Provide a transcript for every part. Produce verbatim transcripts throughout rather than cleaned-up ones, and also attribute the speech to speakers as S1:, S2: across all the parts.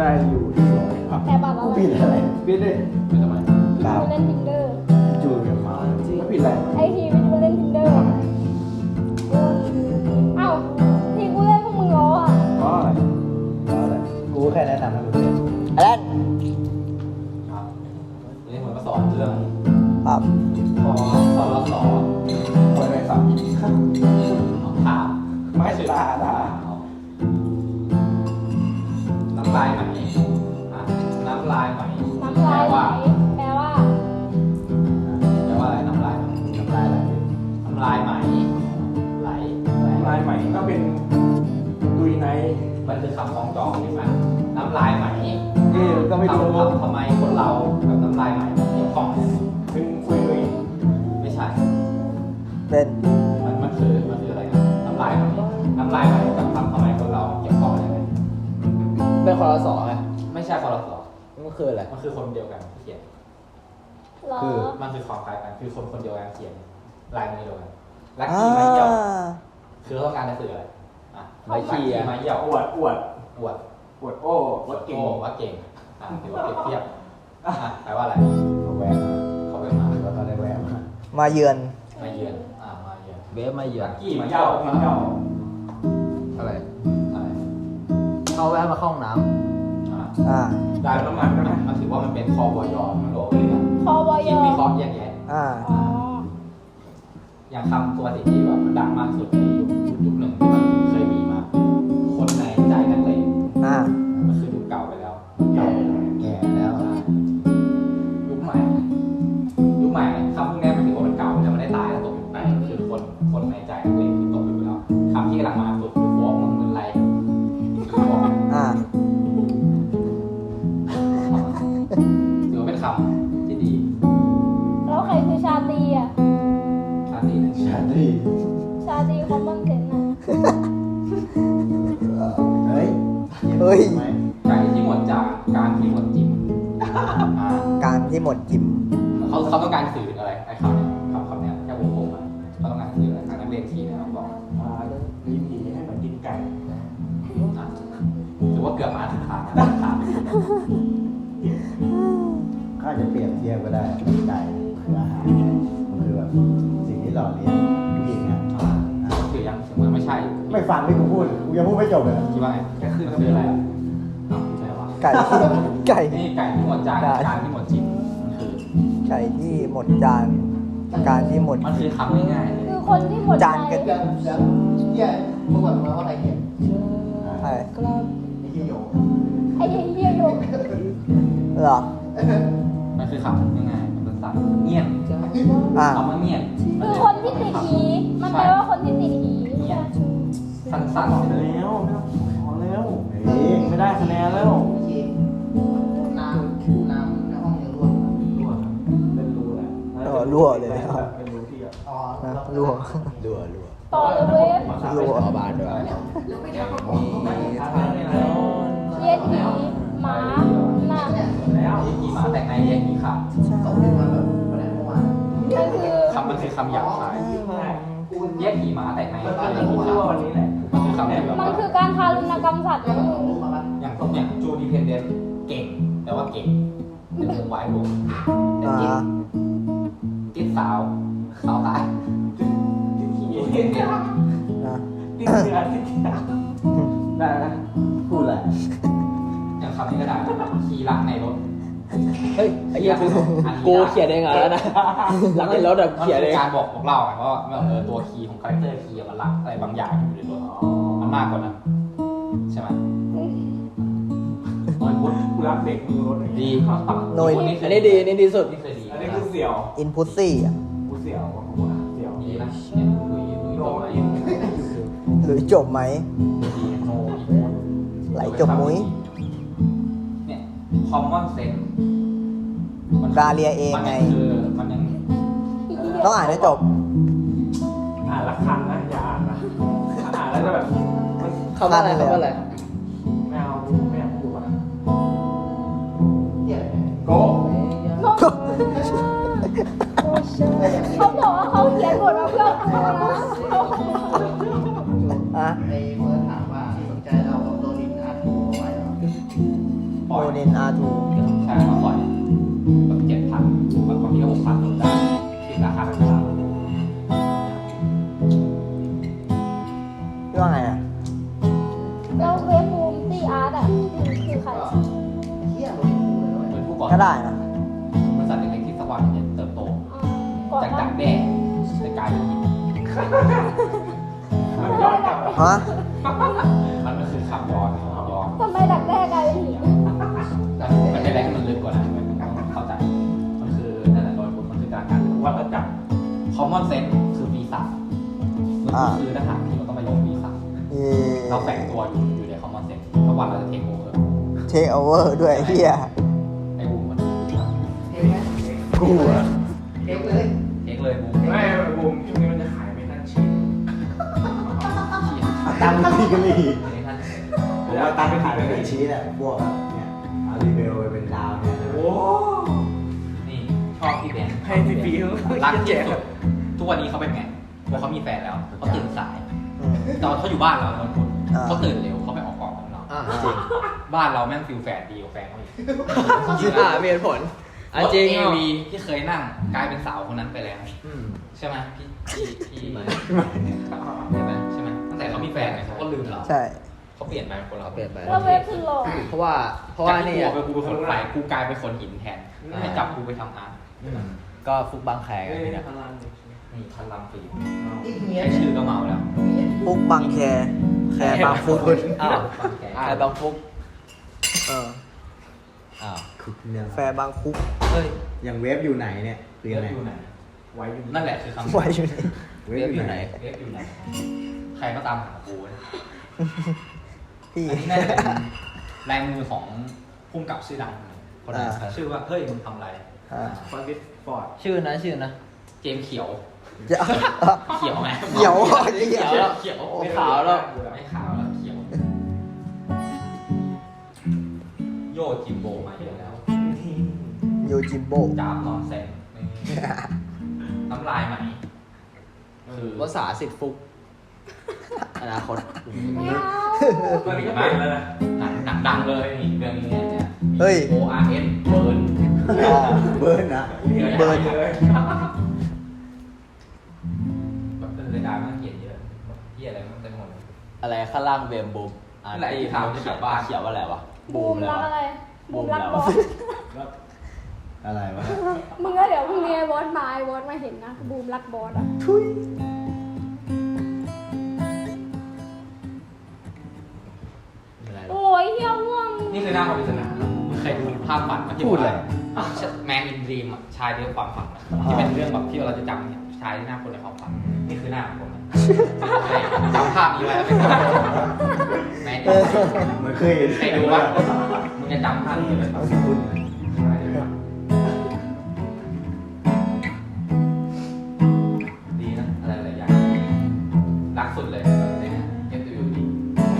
S1: ได้อยู่ที่ร้อยครับ
S2: แต่แบบว่า
S3: ผิดอะไร
S1: พี่ได้ไม่ทำไม
S3: ครั
S2: ไป
S3: บ
S2: เล่นทินเดอร์
S3: จูนกับเขา
S1: ไม่ผิดอะไร
S2: ไอทีไม่ไปเล่นทินเดอร์เอ้าทีกูเล่นพวกมึงล้ออ่ะ
S1: เพราะอะไร
S3: เพราะอะไรกูแค่แนะนำให้มึงเล่นอะไร
S4: ครับนี่ผมมาสอนเรื่อง
S3: ครับ
S4: พอพอเราสอน
S1: คนอะไรสับ
S4: ถาม
S1: ไม่ตาตา
S4: น้ำลายไหมอ่ะน้ำลายไหม
S2: น้ำลายไหล
S4: ว่า
S2: แปลว่า
S4: แปลว่าอะไรน้ำลายไหม
S3: น้ำลายไหล
S4: น้ำลายไหมไหลไหล
S1: ลายใหม่ก็เป็นดุยใน
S4: มันคือคำคล้องจองใช่ไหมน้ำลายไหม
S1: เอ๊ก็ไม่รู้
S4: ทำทำไมคนเรากับน้ำลายไหมเกี่ยวข้องกัน
S1: เป็นคุยดุย
S4: ไม่ใช่
S3: เป็น
S4: มันมันคือมันคืออะไรนะน้ำลายไหมน้ำลายไหมกับทำทำไมคนเราเกี่ยวข้องกันยังไง
S5: เป็นคอรสอไง
S4: ไม่ใช่คนละสอง
S5: มันคืออะไร
S4: มันคือคนเดียวกันที่เขียน
S2: ล้อ
S4: คือมันคือความคล้ายกันคือคนคนเดียวกันเขียนลายมือเดียวกันลัก
S3: อ่า
S4: กี้ไม้เหี่ยวคือเขาต้องการจะสื่ออะไรอ่ะ
S5: ไม้ขี้อะ
S4: ไม้เหี่ยว
S1: อวดอวด
S4: อวด
S1: อวดโอ้อวดเก่ง
S4: โอ้ว่าเก่งอ่ะถือว่าเปรียบเทียบอ่ะแปลว่าอะไร
S3: เขาแวะมา
S4: เขาไปมา
S3: แล้วก็ได้แวะมา
S6: มาเยือน
S4: มาเยือนอ่ะมาเยือน
S5: เวฟมาเหยีย
S4: ลั
S5: บ
S4: กกี้
S1: กิน
S4: ไม้
S1: เหย้า
S4: เหี่ยว
S1: กินเหย้า
S5: อะไร
S4: อะไร
S5: เขาแวะมาเข้าห้องน้
S4: อ่ะ
S6: อ่า
S4: ได้น้ำมันก็มันถือว่ามันเป็นคอบอยอมันโหลเลยนะ
S2: คอบอย
S4: คิดวิเคราะห์แยกแยะ
S6: อ่า
S2: อ๋อ
S4: อย่างคำตัวสิ่งที่แบบมันดังมากสุดในยุคยุคหนึ่งที่มันเคยมีมา คนในใจนักเลง
S6: อ่า
S4: มันคือยุคเก่าไปแล้ว
S3: แก่แก่แล้ว
S4: ยุคใหม่ ยุคใหม่คำพวกนี้มันถือว่ามันเก่าแล้วมันได้ตายแล้วตกยุคใหม่คือคนคนในใจนักเลงคือตกยุคไปแล้วคำที่กำลังมาสุดคือฟ้องมึงเป็นไรฟ้อง
S6: อ่า
S4: ถือว่าเป็นคำที่ดี
S2: แล้วใครคือชาตรีอ่ะ
S4: ชาติหนึ่ง
S3: ชาตรี
S2: ชาตรีคอมมอนเซนอ่ะ
S3: เฮ้ย
S6: เฮ้ย
S3: ไหม
S4: ใจที่หมดจากการที่หมดจิมอ่า
S6: การที่หมดจิ๋ม
S4: เขาเขาต้องการสื่อถึงอะไรไอ้คำเนี้ยคำคำเนี้ยแค่วงกลมอะเขาต้องการสื่ออะไรทางนักเรียนทีเนี่ยบอก
S1: อ่าลิ้นผีให้เหมือนกินไก่
S4: อ่ะถือว่าเกือบมาถึงทางนะทางไปถึง
S3: ข้าจะเปรียบเทียบก็ได้ไก่คืออาหารไงมันคือแบบสิ่งที่หล่อเลี้ยงผู้หญิงอ่ะ
S4: อ่าถือยังถึงมันไม่ใช่
S3: ไม่ฟังที่กูพูดกูยังพูดไม่จบเลย
S4: คิดว่าไงก็คือมันคืออะไรอ่ะอ้าวใช่ปะ
S6: ไก่ที่ไก่
S4: นี่ไก่ที่หมดจานการที่หมดจิมมันคือ
S6: ไก่ที่หมดจาน การที่หมด
S4: มันคือคำง่ายๆเลย
S2: คือคนที่หมดใจ
S6: จานกัน
S7: ยังยังเยี่ยเมื่อวันมาว่าใครเขียน
S6: ใช่
S7: ไอ้เหี้ยโย
S2: ไอ้เหี้ยโยก
S6: เหรอ
S4: มันคือคำง่ายๆมันสั้นๆเงียบ
S6: อ่า
S4: คำว่าเงียบ
S2: คือคนที่ติดหีมันแปลว่าคนที่ติดหี
S4: เงียบสั้น
S1: พอ
S4: ๆเลย
S1: แล้วไม่ต้องขอแล้ว
S3: เฮ้ย
S1: ไม่ได้คะแนนแล้ว
S7: โอเคน้ำน้ำในห้องยังรั่วอยู่
S1: รั่วเป็นรูแหละ
S6: เออรั่วเลยครับ
S1: เป็นรูที่แบบ
S7: อ๋อ
S6: นะรั่ว
S5: รัวรัว
S2: ต่อเลยเว้ย
S6: รั่ว
S5: ขอบานด้วย
S4: มี
S2: เหี้ยหีหมาหน้า
S1: แล้ว
S4: มีหมาแต่งในเรียกมีขา
S7: ตกมาแบบวันไหนเมื่อวาน
S2: มันคือ
S4: คำมันคือคำหยาบคายแยกขี่ม้าแต่งใน
S1: มัน
S4: เรียก
S1: จะพู
S4: ขี่
S1: ด
S4: ขา
S1: ว่าวันนี้แหละ
S4: มันคือคำที่แบบ
S2: มัน
S4: ว่า
S2: คือการทารุณกรรมสัตว์นะมึง
S7: มาปะ
S4: อย่างพวกเนี่ยจูดีเพนเดนเก่ง แต่ว่าเก่งเป็นวงไว้รวมแต่
S6: อ่า
S4: ติดติดสาวสาวตายติดขี่จูดีเพนเดน
S6: อ่า
S1: ติดเชื้อติดเชื้อได้นะ
S3: พูดอะไร
S4: อย่างคำนี้ก็ได้ขี่รักในรถ
S5: เฮ้ยไอ้เหี้ยกูกูเขียนเองอ่ะแล้วนะหลังในรถอะ
S4: มัน
S5: เขียน
S4: คื
S5: เอ
S4: อง การบอกบอกเล่าไงว่าเออตัวคีย์ของคาแรคเตอร์คีย์มันรักอะไรบางอย่างอยู่ในรถมันมากกว่านั้นใช่ไหมน้อยพุทธ
S1: กูรักเด็กมือรถ
S4: ดี
S6: โนย
S4: อั
S5: อันนี้ดีอันนี้ดีสุด
S4: นี่เคยดี
S1: อันนี้คือเสี่ยว
S6: อินพุตซี่อ่ะ
S1: กูเสี่ยวของกูนะเสี่ยว
S4: ดีนะเนี่ยลุยลุย
S1: โด
S4: ต่อน ไป
S1: อิน
S6: หรือจบไหม
S4: ดีโนอีก
S6: ไหลจบมุ้ย
S4: เนี่ย common sense
S6: ดาเลียเองไง
S4: มันคือมันยัง
S6: ต้องอ่านให้จบ
S1: อ่านละคันนะอย่าอ่านนะอ่านแล้วจะแบบมัน
S5: คำว่าอะไรคำว่าอะไร
S1: ไม่เอาไม่อยากพูดนะ
S7: เหี้ย
S1: โก
S2: เขาบอกว่าเขาเขียนบทมาเพื่อกูนะ
S6: อ่ะ
S7: ไอ้เมื่อถามว่าสนใจเราโดนดินอัดหัวไว้เหรอ
S4: ปล่อย
S6: โมเดนอาร์ทู
S4: ใช่มาปล่อยแบบเจ็ดพันแบบบางทีก็หกพันลดได้ที่ราคาธรรมดา
S6: พี่ว่าไงอ่ะ
S2: แล้วเวฟบูมตีอาร์ตอ่ะคือคือใคร
S7: เฮียมันกูเลย
S4: เป็นผู้ก่อ
S6: ก็ได้นะ
S4: บริษัทเล็กๆที่สักวันจะเติบโต
S2: อ๋อก่อน
S4: จาก
S2: ห
S4: ดั
S2: น้าก
S4: แด้ในกลายเป็นหิน
S1: มันย้อนกลับมา
S6: ฮะ
S4: มันก็คือคำย้อนย้อน
S2: ทำไมดักแด้กลายเป็นหิน
S4: แต่มันเป็นอะไรที่มันลึกกว่านั้นมันต้องเข้าใจมันคือนั่นแหละโดยบทมันคือการการ
S1: วัฏจักร
S4: common sense คือวีซ่ามันคือทหารที่มันต้องไปลงวีซ่า
S6: เย่
S4: เราแฝงตัวอยู่อยู่ใน common sense ทุกวันเราจะเทคโอเวอร์
S6: เทคโอเวอร์ด้วยเฮีย
S4: ไอ้บูมมันวีซ่า
S7: เองไหม
S3: กูอะ
S7: เองเลย
S4: เทคเลยบูม
S1: ไม่บูมช่วงนี้มันจะขายไม่ทันชิ้น
S3: เอาตังค์มาที่กันเลย
S4: อันนี้ท่าน
S3: ผมเอาตังค์ไปขายเป็นชีสอะพวกแบบเนี่ยเอารีเบลไปเป็นดาวเนี่ยนะ
S1: โอ้
S4: นี่ชอบพี่แบงค์
S1: ให้ฟรีๆ
S4: รักที่สุดทุกวันนี้เขาเป็นไงพอเขามีแฟนแล้วเขาตื่นสาย
S6: อืม
S4: ตอนเขาอยู่บ้านเราตอนคน
S6: อ่า
S4: เขาตื่นเร็วเขาไปออกกองของเรา
S5: อ่าจริง
S4: บ้านเราแม่งฟิลแฟนดีกว่าแฟนเขาอีก
S5: อ่ามีเหตุผลอ่ะจริง
S4: เอ
S5: เหรอ
S4: วีที่เคยนั่งกลายเป็นสาวคนนั้นไปแล้ว
S5: อืม
S4: ใช่ไหมพี่พี่พี่ใช่ไหมใช่ไหมตั้งแต่เขามีแฟนเนี่ยเขาก็ลืมเรา
S6: ใช่
S4: เขาเปลี่ยนไปเป็นคนเรา
S5: เปลี่ยนไป
S2: แล้วเวฟคือหล่อ
S5: เพราะว่าเพราะว่านี่
S4: จก
S5: อ่ะ
S4: ที่กูเป็นคนไฟกูกลายเป็นคนหินแทนให้จับกูไปทำอาร์ต
S5: อืมก็ฟุกบางแคกัน
S1: นี่
S5: นี่
S1: นะ
S5: นะ
S1: พลัง
S4: มีพลังฟิล์ม
S7: อีกเมีย
S4: แค่ชื่อก็เมาแล้ว
S6: ฟุกบางแคแคบางฟุก
S5: อ้าว
S4: บางแค
S5: ใครบางฟุก
S6: เออ
S5: อ้าว
S3: คุกเนี่ย
S6: แฟร์บางคุก
S4: เฮ้ย
S3: อย่างเวฟอยู่ไหนเนี่ยคือ
S4: เว
S3: ยัง
S4: ฟ
S3: ไง
S4: อยู่ไหน
S1: ไว้อยู่
S4: นั่นแหละคือคำ
S6: ไว้อยู่นี่
S3: เวฟอยู่ไหน
S4: เวฟอยู่ไหน ใครก็ตามหากูนะ
S6: พี่
S4: อันนี้น่าจะเป็นลายมือของพุ่มกับชื่อดังคนหนึง
S6: อ่า
S4: ชื่อว่าเฮ้ยมึงทำอะไร
S6: อ่า
S1: ฟอนดิสฟอร์ด
S5: ชื่อนะชื่อนะ
S4: เจมส์เขียว
S6: จะ
S4: เขียวไหม
S6: เขียว
S4: เขียวแล้วเขียว
S5: ไม่ขาวแล้ว
S4: ไม่ขาวแล้วเขียว โยจิมโบมาเยอะแล้ว
S6: โยจิมโบ
S4: จ้าบนอนแซงน้ำลายไหมคือ
S5: ภาษาสิทธิ์ฟุก อนาคต
S2: ไม่เอา
S1: ตอนนี้ก็เป็นแล้วนะ
S4: หนังหนังดังเลยนี่เรื่องนี้เนี่ย
S6: เฮ้ย
S4: โออาร์เอสเบิร์น
S6: อ๋อ
S3: เบิร์นนะ
S6: เบิร์น
S1: เลย
S4: แบบเป็นรายการมันเขียนเยอะที่อะไรมันเต็มหมดเลย
S5: อะไรข้างล่างเบมบูมอ่า
S4: นั่นแหละที่
S5: ที่
S4: ถาม
S5: เขี
S4: เขี
S5: ย
S4: ย
S5: น
S4: นว่า
S5: ว่าเขียนว่าอะไรวะ
S2: บูม
S5: แล้
S2: รั
S5: ว
S2: กอะไร บูมรัก
S5: บู
S2: บ
S5: ม
S2: อ
S5: แล้ว
S2: ส
S3: อะไรวะ
S2: มึงก็เดี๋ยวพรุ่งนี้ไอ้บอสมาไอ้บอสมาเห็นนะ บูมรักบอสอ่ะ
S5: อะไรวะ
S2: โอ้ยเฮี้ยง่วง
S4: นี่คือหน้าความปริศนามึงเคยดูภาพฝันไหมที่
S5: พูดเลย
S4: แมนอินดรีมอ่ะชายเรื่องความฝันอะที่เป็นเรื่องแบบที่เราจะจำเนี่ยชายที่หน้าคนในความฝันนี่คือหน้าของคนนะจำภาพนี้ไว้แล้วเป็นภาพแมนอินดรีม
S3: เหมือนเคยเห็น
S4: ใครดูวะมึงจะจำภาพนี้ไว้แบบ
S3: คุณ
S4: ดีนะอะไรหลายอย่างรักสุดเลยแบบนี้นะเอฟยูดี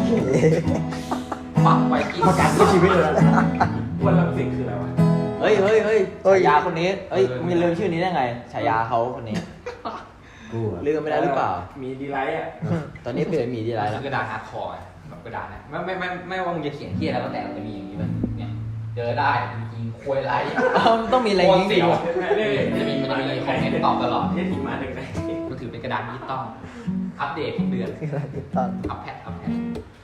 S4: ฟังไวกิ้ง
S3: ประกันชีวิตเลยนะ
S1: วันลังสิตคืออะไรวะ
S5: เฮ้ยเฮ้ยเฮ้ย
S6: เฮ้ย
S5: ฉายาคนนี้เฮ้ยมึงลืมชื่อนี้ได้ไงฉายาเขาคนนี้
S3: กูอะ
S5: ลืมไปแล้วหรือเปล่า
S1: มีดีไลท์อ่ะ
S5: ตอนนี้เปลี่ยนหมีดีไร
S4: คื
S5: แล้ว
S4: อกระดาษฮาร์ดคอร์แบบกระดาษเนี่ยไม่ไม่ไม่ไม่ว่ามึงจะเขียนที่อะไรแล้วแต่มันจะมีอย่างนี้เลยเนี่ยเจอได้จริงๆคุยไร
S5: มันต้องมีอะไร
S4: โค
S5: อย่าง
S4: ตร
S5: งี้
S4: เสียว
S5: ดิ
S4: มันจะมีมันจะมีคอมเมนต์ตอบตลอด
S1: นี่ถีมาหนึ่งไหน
S4: มันถือเป็นกระดาษดิจิตอลอัปเดตทุกเดือน
S6: คืออะไรติดตอน
S4: อัปแพดอัปแพด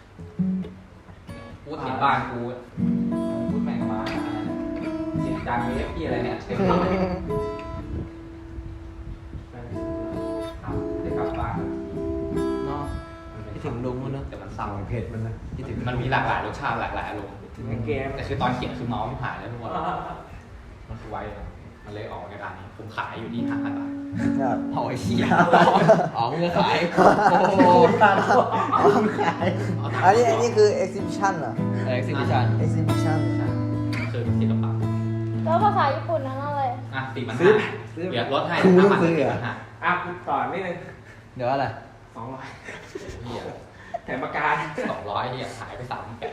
S4: พูดเห็นบ้านกูพูดแม่งมาจิตจางเวฟพี่อะไรเนี่ยเต็มเลยครับได้กลับบ้าน
S5: เนาะคิดถึงลุงมั้งเนอะ
S4: แต่มัน
S3: สั่
S4: เศร้าง
S3: เผ็ดมันนะ
S4: คิดถึงมันมีหลากหลายรสชาติหลากหลายอารมณ์
S1: ในเกม
S4: แต่คือตอนเขียนคือเมาส์ไม่หายแล้วทุกคนมันคือไวเลยมันเลยออกในร้านนี้ผมขายอยู่ที่ห้าพันบาท
S6: เนี่ย
S5: เอาไอ้เหี้ยอ๋อมึงจะขาย
S6: โอ้โห
S3: ขาย
S6: อันนี้อันนี้คือ exhibition เหรอ
S5: เอ็กซิบิชัน
S6: exhibition
S4: คือศิลปะ
S2: แล้วภาษาญี่ปุ่นนั้นอะไร
S4: อ่ะสี่พัน
S3: ซื้อ
S4: ห้า
S3: ซื้อ
S4: เดี๋ยวลดให้
S3: กู
S4: ห้า
S3: ต้อง
S4: พัน
S3: ซื้อ
S4: สี่
S3: เหรอ
S4: พันห้า
S1: อ่ะกูต่อนิดนึง
S5: เดี๋ยวอะไร
S1: สองร้อย
S4: เฮีย
S1: แถมปากกา
S4: สองร้อยเฮียหายไปสามแปด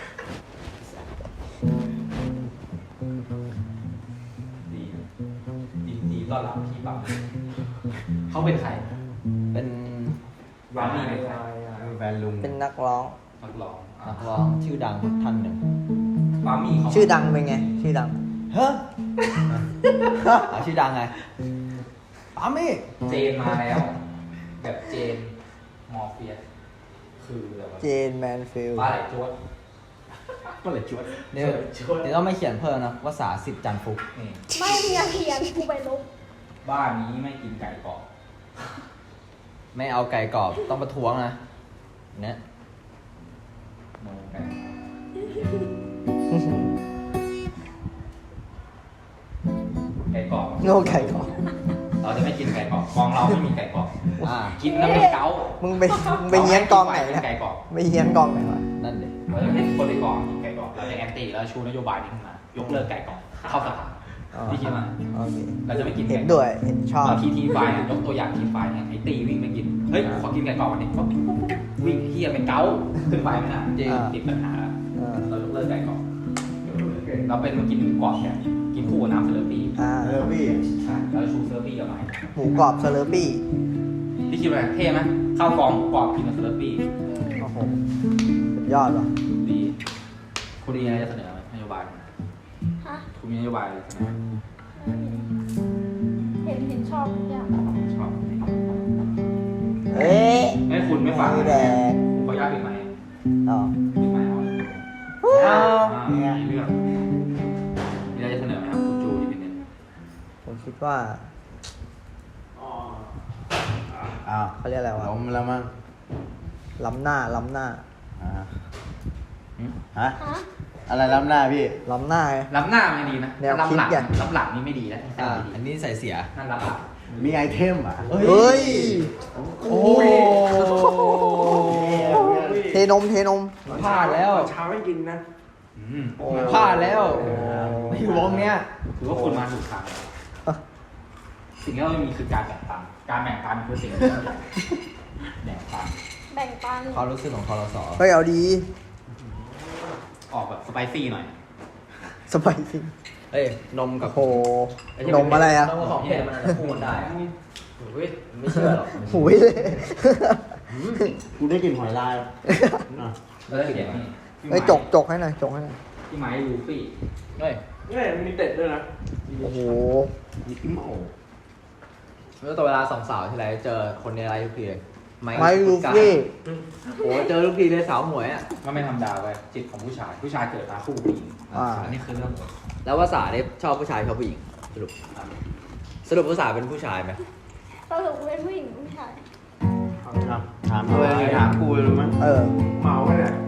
S4: ดีนะดีดีต้อนรับพี่ปั๊มเขาเป็นใคร
S5: เป็น
S4: วานี่เป็นใคร
S3: แฟนลุง
S6: เป็นนักร้อง
S4: นักร้องอ่ะ
S5: นักร้องชื่อดังท่านหนึ่ง
S4: คปามี่เขา
S6: ชื่อดังเป็นไง ชื่อดัง
S5: เฮ้ยเอาชื่อดังไงปามี่
S4: เจนมาแล้ว แบบเจนมอร์เฟียสคือแบบว่า
S6: เจนแมนฟิลด์
S4: ปลาไหลจวด
S1: ก็เลยชวน
S5: เดี๋ยวเดี๋ยวต้องไม่เขียนเพิ่มนะภาษาสิบจันทร์ฟุก
S4: นี่
S2: ไม่มีอาเทียนกูไปลบ
S4: บ้านนี้ไม่กินไก่กรอบ
S5: ไม่เอาไก่กรอบต้องประท้วงนะเนี่ย
S4: โนไก่ไก่กรอบ
S6: โง่ไก่ก่อน
S4: เราจะไม่กินไก่กรอบกองเราไม่มีไก่กรอบ
S5: อ่า
S4: กินแล้วเป็นเกาต์
S6: มึงไปมึงไปเฮี้ยนกองไหน
S4: กิ
S6: นะ
S4: ไก่กรอบ
S6: ไปเฮี้ยนกองไหนวะ
S5: นั่นเลย
S4: เราจะให้คนในกองกินไก่กรอบเราจะแอนตี้แล้วชูนโยบายนี้ขึ้นมายกเลิกไก่กรอบเข้าสภา
S6: อ๋อ
S4: พี่คิดว่า
S6: โอเค
S4: เราจะไม่กิน
S6: เห็
S4: ไก่
S6: น
S4: กรอบ
S6: ด้วย เห็นชอบ
S4: บางทีทีไฟเนี่ยยกตัวอย่างทีไฟเนี่ยไอ้ตีวิ่งไปกินเฮ้ยขอกินไก่กรอบวันนี้ปุ๊บปุ๊บปุ๊บปุ๊บวิ่งเฮียเป็นเกาต์ขึ้นไปไม่น่า
S5: จริง
S4: ติดปัญหาแล้ว
S6: อ่า
S4: เรายกเลิกไก่กรอบเราเป็นมากินหมูกรอบแทนกินคู่กับน้ำเซเลอร์ปี้
S6: อ่า
S3: เออพี่
S4: ใช่เราชูเซเลอร์ปี้กับไม้
S6: หมูกรอบเซเลอร์ปี้
S4: พี่คิดว่าเท่ไหมข้าวกล่องหมูกรอบกินกับเซเลอร์ปี้
S6: โอ้โหสุดยอดว่ะ
S4: ดีคุณดีอะไรจะเสนอไหมนโยบาย
S2: ฮะ
S4: คุณมีนโยบายอะไรเสนอไหม
S2: เห็นเห็นชอบทุกอย่าง
S4: ชอบ
S6: เอ๊ะ
S4: ไม่คุณไม่ฟัง
S6: มือแดง
S4: ผมขออนุญาตปิดไมค์
S6: อ๋อ
S4: ปิดไมค์เอา
S6: อ้าว
S4: อ่ามีเรื่องมีอะไรจะเสนอไหมครับคุณจูดิเป็นเนี่ย
S6: ผมคิดว่า
S3: อ้าว
S6: เขาเรียกอะไรวะ
S3: ล้มแล้วมั้ง
S6: ล้ำหน้า ล้ำหน้า
S3: อ่า
S4: หืม
S3: ฮะ
S2: ฮะ
S3: อะไรล้ำหน้าพี่
S6: ล้ำหน้าไง
S4: ล้ำหน้าไม่ดีนะ
S6: แนวคิด
S4: ล้ำหลัง
S6: อย่าง
S4: ล้ำหลังนี่ไม่ดีนะ
S5: อ่า
S4: ไม่ดี
S5: อันนี้ใส่เสีย
S4: นั่นล้ำหลัง
S3: มีไอเทมอ่ะ
S6: เฮ้ย
S5: โอ้ย
S6: เทนม เทนม
S5: พลาดแล้ว
S1: เช้าไม่กินนะ
S4: อืม
S5: พลาดแล้วในวงเนี้ย
S4: ถือว่าคุณมาถูกทางสิ่งที่เราไม่มีคือการแบ่งปันการแบ่งปันคือสิ่งที่เราอยากแบ่งปัน
S2: แบ่งปัน
S5: ความรู้สึกของคอรสอ
S6: เฮ้ยเอาดี
S4: ออกแบบสไปซี่หน่อย
S6: สบายจริง
S5: เอ้ยนมกับ
S6: โอ้โห นมอะไรอ่ะ
S5: นมกับของเผ็ดมันอาจจะคู่กันได้อะ
S4: เฮ้ย
S5: ไม่เชื่อหรอก
S6: หุยเลย
S3: กูได้กลิ่นหอยลายอ่ะ
S4: แล้วจะเขียนนี่
S6: เฮ้ยจกจกให้หน่อย จกให้หน่อย
S4: พี่ไม้ลูฟี่
S5: เฮ้ย
S1: เนี่ยมันมีเต็ดด้วยนะ
S6: โอ้โห
S3: มีกิ้มโอ
S5: แล้วต่อเวลาสองสาวที่ไรเจอคนในไลฟ์ทุกทีเลย
S6: ไม่ลูฟี่
S5: โอ้เจอทุกทีเลยสาวหมวยอ่ะ
S4: ก็ไม่ธรรมดาเว้ยจิตของผู้ชายผู้ชายเกิดมาคู่ผู้หญิง
S6: อ่า
S4: อันนี้คือเรื่อง
S5: แล้วภาษาเนี่ยชอบผู้ชายชอบผู้หญิงสรุปสรุปภาษาเป็นผู้ชายไหม
S2: สรุปเป็นผู้หญิงผู้ชาย
S3: ถามถามตัวเองถามกูเลยรู้ไหม
S6: เออ
S1: เมาไปเนี่ย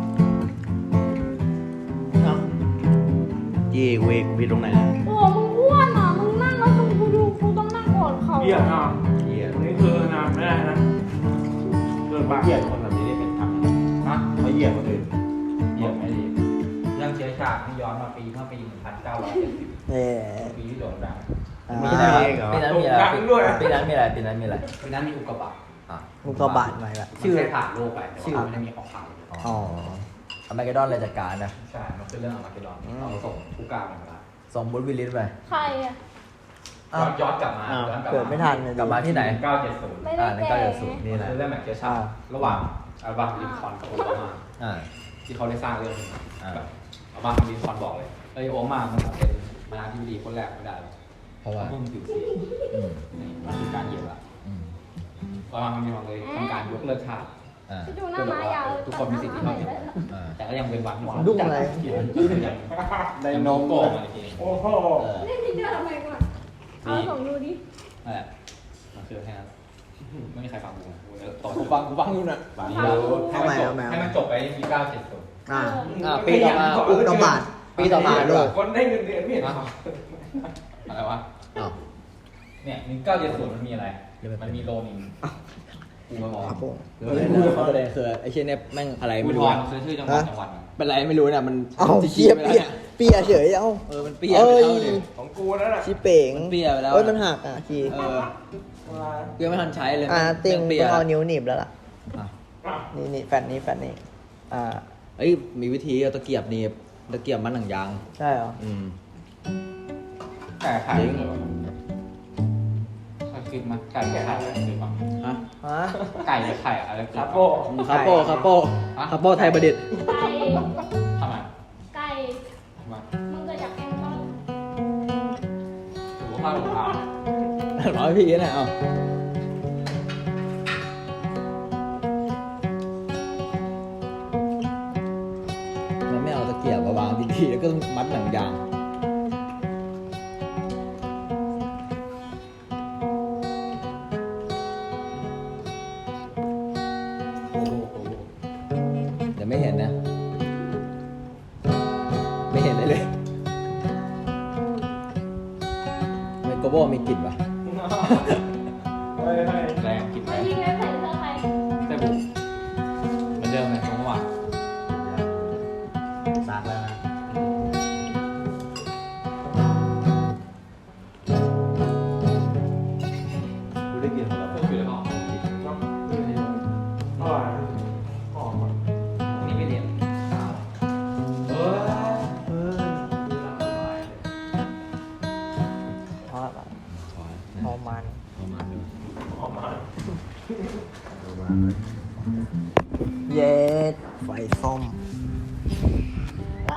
S3: เย่เวกพี่ตรงไหนเนี่ย
S2: โอ้มึงอ้วนอ่ะ มึงนั่งแล้วมึงกูดูกูต้องนั่งกอดเขา
S1: เยี่ยมอ่ะ
S3: เย่
S1: วันนี้คือนะไม่ได้นะเกิน
S3: เขา
S1: ปาก
S3: เหยียดคนแบบนี้ได้เป็นทำ
S4: ฮะ
S3: เขาเหยียดคนอื่น
S4: เหยียบไม่ดีเรื่องเชื้อชาติที่ย้อนมาปีเมื่อปีหนึ่งพันเก้าร้อยเจ็ดสิบ
S6: เน่
S4: ปีที่โด่งดัง
S6: อ่า
S5: มีอะไรปีนั้นมีอะไรปีนั้นมีอะไรปีนั้นมีอะไร
S4: ปีนั้นมีอุกกาบาต
S5: อ่ะ
S6: มุกกระบาดใหม่ละ
S4: ชื่อผ่านโลกไปแต่ว่าไม่ได้มีออกข่าว
S6: อ๋อ
S5: อเมริกาดอนเลยจัดการนะ
S4: ใช่มันคือเรื่องอาร์มาเกดดอนเราส่งผู้กล้ามาแล้ว
S5: ส่งบุตวิลลิสไป
S2: ใครอ่ะ
S4: ย้อนย้อนกลับมาย้อนกลับ
S6: เกิดไม่ทันเลย
S5: กลับมาที่ไหน
S4: เก้าเจ็ดศูนย์
S2: ไม่ได้
S5: อ่าใน
S2: แก่
S5: เก้าเจ็ดศูนย์นี่แหละ
S4: คือเรื่องแบบเชื้อชาติระหว่างอัลบาลินคอล์นกับโอบามา
S5: อ่า
S4: ที่เขาได้สร้างเรื่องนี้
S5: อ่า
S4: แบบอัลบาลินคอล์นบอกเลยเอ้ยโอบามามันเป็นประธานาธิบดีคนแรกไม่ได้หรอก
S5: เพราะว่า
S4: เพิ่งผิวสี
S5: อืม
S4: นี่มันคือการเหยียดละ
S5: อืม
S4: อัลบามามีความเลยทำการยกเลิกชาติ
S5: อ่า
S2: จะดูหน้าม้ายาว
S4: ทุกคนมีสิทธิ์ที่เท่าเทียม
S5: อ่า
S4: แต่ก็ยังเป็นวัดหมด
S6: ดุ้งอะไร
S4: ยังได้โนโก้มาอีกที
S1: โอ้โห
S5: เออ
S2: เล่นที่เดียวทำไมก่อนเอาส่งดูดิ
S4: นั่นแหละมันคือแค่นั้นไม่มีใครฟังกูกูจะต่อ
S5: กูฟังกูฟังอยู่นะ
S4: ฟังนี้แล้วให้มันจบให้มันจบไปที่เก้าเจ็ดศูนย์
S6: อ่า
S5: อ่าปีต่อมา
S6: อุกกาบาต
S5: ปีต่อมาด้วย
S1: คนได้เงินเดือนไม่เห็น
S4: อะไรวะ
S5: อ้าว
S4: เนี่ยหนึ่งเก้าเจ็ดศูนย์มันมีอะไร มันมีโลนิงกูมาบอก
S6: ครับผม
S5: ประเด็นคือไอ้เช่นเนี่ยแม่งอะไร
S4: กู
S5: ไม่
S4: ท
S5: รู้
S4: อน
S5: อะ
S4: ซื้อชื่อจังหวัดจังหวัด
S5: เป็นไรไม่รู้เนี่ยมัน
S6: เอ้า
S5: จะ
S6: เปีย
S5: ไป
S6: เปีย
S5: แล้ว
S6: เปียเฉยเอ้า
S5: เออมันเปียไป
S6: เอ้ย
S5: แล้วดิ
S1: ของกูนั่นแหละ
S6: ชิเป๋ง
S5: มันเปียไปแล้ว
S6: เอ้ยมันหักอ่ะคี
S5: เออเปียไม่ทันใช้เลย
S6: อ่าติง
S5: เปี
S6: ต้
S5: ย
S6: องเอานิ้วหนีบแล้วล่ะ
S5: อ่ะ
S6: นี่นี่แฟนนี้แฟนนี้ อ่า
S5: เอ้ยมีวิธีเอาตะเกียบหนี่ตะเกียบมันหนังยาง
S6: ใช่เหรอ
S5: อืม
S4: ไก่ไข่เหรอเคยคิดมาไก่ไข่อะไรคือบ้าง
S5: ฮะ
S6: ฮะ
S4: ไก่กับไข่อะไรคือ
S1: คา
S4: บ้าง
S1: โป้
S5: คาโป้คาโป้คาโป้ไทยประดิษฐ์
S2: ไก่
S4: ทำไม
S2: ไก่มึงเกิดจากแกงต้น
S4: ถือว่าพลาดของเรา
S5: ร้อยพี่นะเอามันไม่เอาตะเกียบมาวางดีๆแล้วก็มัดหนังยาง
S4: โอ้โหโอ้โห
S5: เดี๋ยวไม่เห็นนะ ไม่เห็นเลยเลยทำไมโกโบมีกลิ่นปะ
S1: เฮ้ยเฮ้ย
S4: แรงกินไป
S2: ไอ้ยิงแล้วใส่เสื้อใคร
S4: แต่บุกเหมือนเดิมเลยตรงเมื่อวาน
S3: ซักแล้วนะกูได้กินหมดแล้ว
S4: เพิ่มอยู่แล้วก็
S1: ต้องดูดีอร่อยหอมอ่ะ
S4: นี่ไม่เรียนเออ
S3: เออ
S6: เพราะอะไรเพราะมัน
S5: ประมาณนี้
S1: หอมมาก
S3: ประมาณนั้น
S6: เย็ดไฟส้ม